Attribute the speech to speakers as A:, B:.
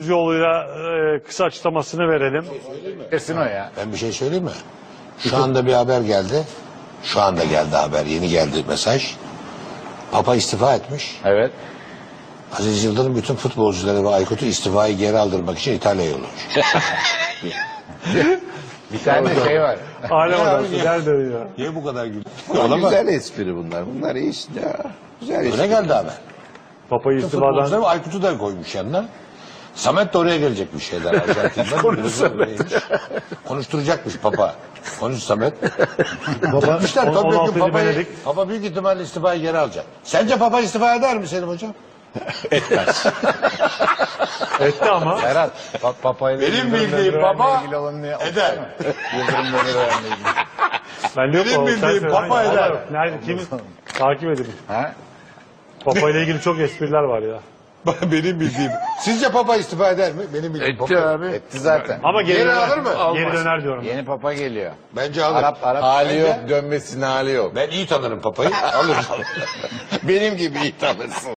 A: yoluyla kısa açıklamasını verelim.
B: Kesin o ya.
C: Ben bir şey söyleyeyim mi? Şu anda bir haber geldi. Şu anda geldi haber. Yeni geldi mesaj. Papa istifa etmiş.
B: Evet.
C: Aziz Yıldırım bütün futbolcuları ve Aykut'u istifayı geri aldırmak için İtalya'ya yollamış.
B: Bir tane şey var.
A: Alem
C: Ya
A: adamsı
C: abi,
A: nerede ya?
C: Niye bu kadar gülüyor?
D: Güzel espri bunlar. Bunlar iyi işte ya. Güzel espri.
C: Öyle geldi haber.
A: Papa'yı
C: Bütün
A: istifadan
C: futbolcuları ve Aykut'u da koymuş yanına. Samet de oraya gelecekmiş şeyler. Arjantin'den. Konuşturacakmış Papa. Konuş Samet. Gitmişler.
A: 16.
C: Papa'yı,
A: Benedikt.
C: Papa büyük ihtimalle istifayı geri alacak. Sence Papa istifa eder mi Selim Hocam?
A: etti ama.
B: Ferhat, Papa'yla
C: Benim
B: Yıldırım
C: bildiğim
B: Demirören'le
C: Papa
B: ilgili olanı
C: eder.
B: okusana. Yıldırım Demirören'le ilgili.
A: Ben yok
C: Benim
A: o.
C: bildiğim
A: Sen söyle.
C: Papa
A: Hayır,
C: eder.
A: yok. Nerede? Kimi? Takip edin.
B: Ha?
A: Papa ile ilgili çok espriler var ya.
C: Benim bildiğim. Sizce Papa istifa eder mi? Benim bildiğim Papa.
B: Etti zaten.
A: Ama geri,
C: Geri
A: döner.
C: alır mı?
A: Geri döner diyorum.
B: Yeni Papa geliyor.
C: Bence alır.
B: Arap.
D: Hali
C: Bence-
D: yok, dönmesine hali yok.
C: Ben iyi tanırım Papa'yı. Alır.
D: Benim gibi iyi tanırsın.